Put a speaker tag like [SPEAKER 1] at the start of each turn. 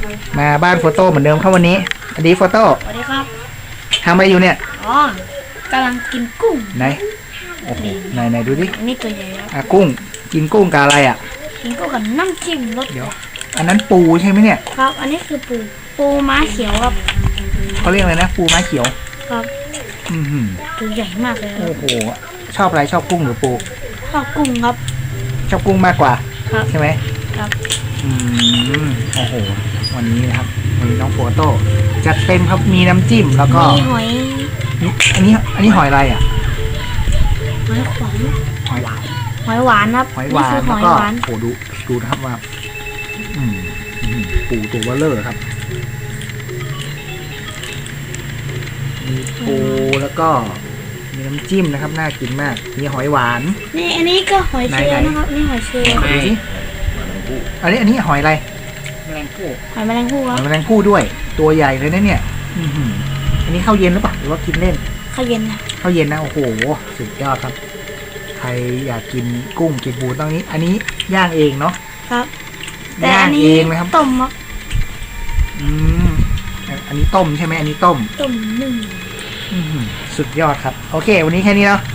[SPEAKER 1] มาบ้านโฟโต้เหมือนเดิมครับวันนี้สวัสดีโฟโต้
[SPEAKER 2] สวัสดีครับ
[SPEAKER 1] ทำอะไรอยู่เนี่ย
[SPEAKER 2] อ๋อกำลังกินกุ้ง
[SPEAKER 1] ไหนโอ้โหไหนดูดิ
[SPEAKER 2] อันนี้ตัวใหญ่ครับ
[SPEAKER 1] กุ้งกินกุ้งกับอะไรอ่ะ
[SPEAKER 2] กินกุ้งกับน้ำจิ้มรส
[SPEAKER 1] เดี๋ยวอันนั้นปูใช่ไหมเนี่ย
[SPEAKER 2] ครับ อันนี้คือปูม้าเขียวครับ
[SPEAKER 1] เขาเรียกอะไรนะปูม้าเขียว
[SPEAKER 2] ครับ
[SPEAKER 1] อือหือ
[SPEAKER 2] ตัวใหญ่มากเลยครับ
[SPEAKER 1] โอ้โหชอบอะไรชอบกุ้งหรือปู
[SPEAKER 2] ข้าวกุ้งครับ
[SPEAKER 1] ชอบกุ้งมากกว่า
[SPEAKER 2] ครับ
[SPEAKER 1] ใช่ไหม
[SPEAKER 2] ครับ
[SPEAKER 1] อืมโอ้โหวันนี้นะครับวันนี้น้องโฟโต้จัดเต็มครับมีน้ำจิ้มแล้วก็
[SPEAKER 2] มีหอย
[SPEAKER 1] อันนี้หอยอะไรอ่ะ
[SPEAKER 2] หอยขวาน
[SPEAKER 1] หอยหวาน
[SPEAKER 2] หอยหวานครับ
[SPEAKER 1] หอยหวาน
[SPEAKER 2] นี่คือห
[SPEAKER 1] แล้ว
[SPEAKER 2] อย
[SPEAKER 1] ก็
[SPEAKER 2] หวาน
[SPEAKER 1] โอ้ดูนะครับว่าปูตัวเบลเลอร์ครับมีปูแล้วก็มีน้ำจิ้มนะครับน่ากินมากมีหอยหวาน
[SPEAKER 2] นี่อันนี้ก็หอยเชลล์
[SPEAKER 1] ไหนๆ
[SPEAKER 2] นะครับนี่หอยเชลล์
[SPEAKER 1] ดูสิอันนี้หอยอะไร
[SPEAKER 2] หอยแมลงภู่ค
[SPEAKER 1] ห
[SPEAKER 2] รั
[SPEAKER 1] อบ ยแมลงภู่ด้วย ตัวใหญ่เลยนะเนี่ยอันนี้ข้าวเย็นหรือเปล่าหรือว่ากินเล่น
[SPEAKER 2] ข้าวเย็นนะ
[SPEAKER 1] ข้าวเย็นนะโอ้โหสุดยอดครับใครอยากกินกุ้งกินปูต้องนี้ อันนี้ย่างเองเนาะ
[SPEAKER 2] ครับแต่
[SPEAKER 1] ย่า
[SPEAKER 2] อั
[SPEAKER 1] ง
[SPEAKER 2] นนี้
[SPEAKER 1] เองนะครับ
[SPEAKER 2] ต้มครับ
[SPEAKER 1] อืมอันนี้ต้มใช่ไหมอันนี้ต้ม
[SPEAKER 2] ต้มนึ่ง
[SPEAKER 1] สุดยอดครับโอเค วันนี้แค่นี้เนาะ